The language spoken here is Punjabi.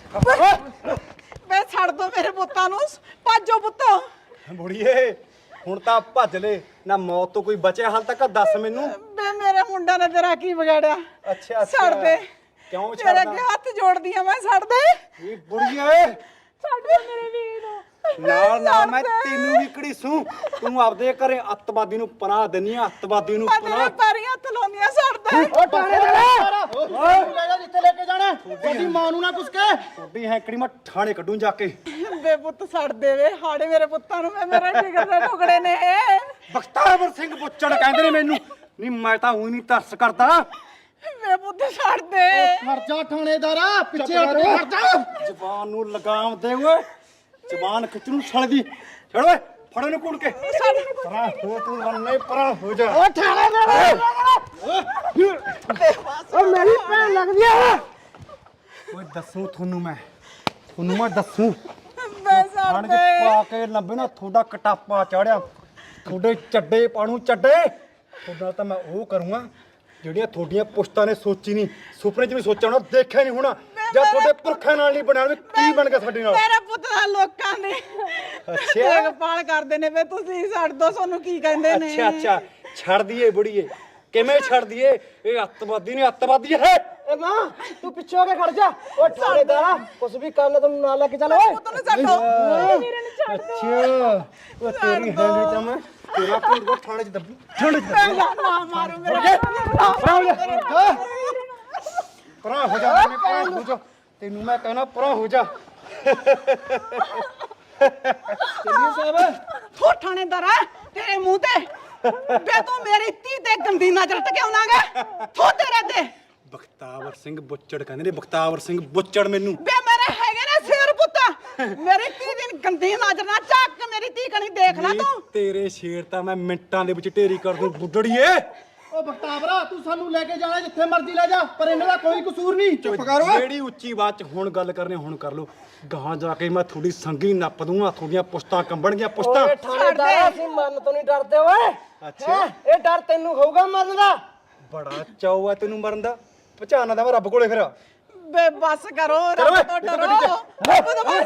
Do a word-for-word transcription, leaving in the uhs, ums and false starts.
ਬੇ ਛੱਡ ਦੋ ਮੇਰੇ ਪੁੱਤਾਂ ਨੂੰ ਭਾਜੋ ਪੁੱਤੋ ਬੁੜੀਏ ਹੁਣ ਤਾਂ ਭੱਜ ਲੈ ਨਾ ਮੌਤ ਤੋਂ ਕੋਈ ਬਚਿਆ ਹਾਲ ਤੱਕ ਦੱਸ ਮੈਨੂੰ ਬੇ ਮੇਰੇ ਮੁੰਡਾ ਨੇ ਤੇਰਾ ਕੀ ਵਿਗਾੜਿਆ ਅੱਛਾ ਛੱਡ ਦੇ ਕਿਉਂ ਤੇਰੇ ਛੱਡਦਾ ਅੱਗੇ ਹੱਥ ਜੋੜਦੀ ਆ ਮੈਂ ਛੱਡ ਦੇ ਇਹ ਬੁੜੀਏ ਛੱਡ ਦੇ ਮੇਰੇ ਵੀਰ ਨੂੰ ਨਾਲ ਨਾਲ ਮੈਂ ਤੈਨੂੰ ਵੀ ਘੜੀਸੂ ਤੂੰ ਆਪਦੇ ਘਰੇ ਅੱਤਵਾਦੀ ਨੂੰ ਪਨਾਹ ਦਿੰਨੀ ਆ ਅੱਤਵਾਦੀ ਨੂੰ ਮੈਂ ਤੇਰੇ ਪਨਾਹ ਪੈਰੀਂ ਹੱਥ ਲਾਉਂਦੀਆਂ ਛੱਡ ਦੇ ਓ ਥਾਣੇਦਾਰ ਓਏ ਲੈ ਜਾ ਜਿੱਥੇ ਲੈ ਕੇ ਜਾਣਾ ਤੁਹਾਡੀ ਮਾਂ ਨੂੰ ਨਾ ਕੁਛ ਕਹਿ ਤੁਹਾਡੀ ਹੈਂਕੜੀ ਮੈਂ ਥਾਣੇ ਕੱਢੂ ਜਾ ਕੇ ਬੇ ਪੁੱਤ ਛੱਡ ਦੇ ਵੇ ਹਾੜੇ ਮੇਰੇ ਪੁੱਤਾਂ ਨੂੰ ਮੈਂ ਮੇਰੇ ਜਿਗਰ ਦੇ ਟੁਕੜੇ ਨੇ ਬਖਤਾਵਰ ਸਿੰਘ ਬੁੱਚੜ ਕਹਿੰਦੇ ਨੇ ਮੈਨੂੰ ਨਹੀਂ ਮੈਂ ਤਾਂ ਉਹੀ ਨਹੀਂ ਤਰਸ ਕਰਦਾ ਬੇ ਪੁੱਤ ਛੱਡ ਦੇ ਖੜ ਜਾ ਥਾਣੇਦਾਰਾ ਪਿੱਛੇ ਹਟ ਕੇ ਖੜ ਜਾ ਜ਼ਬਾਨ ਨੂੰ ਲਗਾਮ ਦੇ ਓਏ ਜ਼ਬਾਨ ਖਿੱਚ ਨੂੰ ਛੜਦੀ ਛੜ ਓਏ ਫੜ ਇਹਨੂੰ ਕੁੜ ਕੇ ਪਰਾਂ ਹੋ ਤੂੰ ਬੰਨੇ ਪਰਾਂ ਹੋ ਜਾ ਓ ਥਾਣੇਦਾਰ ਓ ਮੇਰੀ ਭੈਣ ਲੱਗਦੀ ਆ ਓਏ ਦੱਸੂ ਤੁਹਾਨੂੰ ਮੈਂ ਤੁਹਾਨੂੰ ਮੈਂ ਦੱਸੂ ਬੇ ਛੱਡ ਖਾਣ ਚ ਦੇ ਪਾ ਕੇ ਲੰਬੇ ਨਾ ਤੁਹਾਡਾ ਕਟਾਪਾ ਚੜਿਆ ਤੁਹਾਡੇ ਚੱਡੇ ਪਾਣੂ ਚੱਡੇ ਤੁਹਾਡਾ ਤਾਂ ਮੈਂ ਉਹ ਕਰੂੰਗਾ ਜਿਹੜੀਆਂ ਤੁਹਾਡੀਆਂ ਪੁਸ਼ਤਾਂ ਨੇ ਸੋਚੀ ਨਹੀਂ ਸੁਪਨੇ 'ਚ ਵੀ ਸੋਚਿਆ ਹੋਣਾ ਦੇਖਿਆ ਨਹੀਂ ਹੋਣਾ ਜਾਂ ਤੁਹਾਡੇ ਪੁਰਖਾਂ ਨਾਲ ਨਹੀਂ ਬਣਿਆ ਕੀ ਬਣ ਗਿਆ ਸਾਡੇ ਨਾਲ ਮੇਰੇ ਪੁੱਤ ਦਾ ਲੋਕਾਂ ਨੇ ਅੱਛਾ ਦੇਖਭਾਲ ਕਰਦੇ ਨੇ ਵੇ ਤੁਸੀਂ ਛੱਡ ਦੋ ਸਾਨੂੰ ਕੀ ਕਹਿੰਦੇ ਨੇ ਅੱਛਾ ਅੱਛਾ ਛੱਡ ਦਈਏ ਬੁੜੀਏ ਕਿਵੇਂ ਛੱਡ ਦਈਏ ਇਹ ਅੱਤਵਾਦੀ ਨੇ ਅੱਤਵਾਦੀ ਹੈ ਏ ਮਾਂ ਤੂੰ ਪਿੱਛੇ ਹੋ ਕੇ ਖੜ ਜਾ ਓ ਥਾਣੇਦਾਰਾ ਕੁਛ ਵੀ ਕਰਨ ਤੈਨੂੰ ਨਾਲ ਲੈ ਕੇ ਚੱਲ ਓਏ ਪੁੱਤ ਨੂੰ ਛੱਡੋ ਵੀਰੇ ਨੂੰ ਛੱਡ ਅੱਛਾ ਉਹ ਤੇਰੀ ਹੈਂਡ ਤਾਂ ਮੈਂ ਤੇਰਾ ਪੂਰਾ ਥਾਣੇ 'ਚ ਦੱਬੂ ਥਾਣੇ 'ਚ ਦੱਬੂ ਨਾ ਨਾ ਮਾਰੋ ਮੇਰੇ ਪਰਾਂ ਹੋ ਜਾ ਮੈਂ ਪਰਾਂ ਹੋ ਜਾ ਤੈਨੂੰ ਮੈਂ ਕਹਿਣਾ ਪਰਾਂ ਹੋ ਜਾ ਚੱਲੀਏ ਸਾਹਿਬ ਥੋ ਥਾਣੇਦਾਰਾ ਤੇਰੇ ਮੂੰਹ ਤੇ ਬੇ ਤੂੰ ਮੇਰੀ ਧੀ ਤੇ ਗੰਦੀ ਨਜ਼ਰ ਟਕਿਆਉਣਾਗਾ ਥੋ ਤੇਰੇ ਤੇ ਬਖਤਾਵਰ ਸਿੰਘ ਬੁੱਚੜ ਕਹਿੰਦੇ ਨੇ ਬਖਤਾਵਰ ਸਿੰਘ ਬੁੱਚੜ ਮੈਨੂੰ ਬੇ ਮੇਰੇ ਹੈਗੇ ਨੇ ਸ਼ੇਰ ਪੁੱਤ ਮੇਰੀ ਧੀ ਦੀ ਗੰਦੀ ਨਜ਼ਰ ਨਾ ਝਾਕ ਮੇਰੀ ਧੀ ਕਣੀ ਦੇਖ ਲੈ ਨੀ ਤੂੰ ਤੇਰੇ ਸ਼ੇਰ ਤਾਂ ਮੈਂ ਮਿੰਟਾਂ ਦੇ ਵਿੱਚ ਢੇਰੀ ਕਰ ਦੂੰ ਬੁੱਢੜੀਏ ਓ ਬਖਤਾਵਰਾ ਤੂੰ ਸਾਨੂੰ ਲੈ ਕੇ ਜਾਣਾ ਜਿੱਥੇ ਮਰਜ਼ੀ ਲੈ ਜਾ ਪਰ ਇਹਨਾਂ ਦਾ ਕੋਈ ਕਸੂਰ ਨਹੀਂ ਚੁੱਪ ਕਰ ਓਏ ਜਿਹੜੀ ਉੱਚੀ ਬਾਤ ਚ ਹੁਣ ਗੱਲ ਕਰਨੀ ਹੁਣ ਕਰ ਲੋ ਗਾਹਾਂ ਜਾ ਕੇ ਮੈਂ ਥੋੜੀ ਸੰਗੀ ਨੱਪ ਦੂੰਗਾ ਤੁਹਾਡੀਆਂ ਪੁਸ਼ਤਾਂ ਕੰਬਣਗੀਆਂ ਪੁਸ਼ਤਾਂ ਓਏ ਥਾਣੇਦਾਰਾ ਅਸੀਂ ਮਰਨ ਤੋਂ ਨਹੀਂ ਡਰਦੇ ਓਏ ਅੱਛਾ ਇਹ ਡਰ ਤੈਨੂੰ ਹੋਊਗਾ ਮਰਨ ਦਾ ਬੜਾ ਚਾਉ ਆ ਤੈਨੂੰ ਮਰਨ ਦਾ ਪਛਾਣਾ ਦਾ ਮੈਂ ਰੱਬ ਕੋਲੇ ਫਿਰ ਬੇ ਬਸ ਕਰੋ ਕਰੋ ਰੱਬ ਤੋਂ ਓਏ, ਡਰੋ ਰੱਬ ਤੋਂ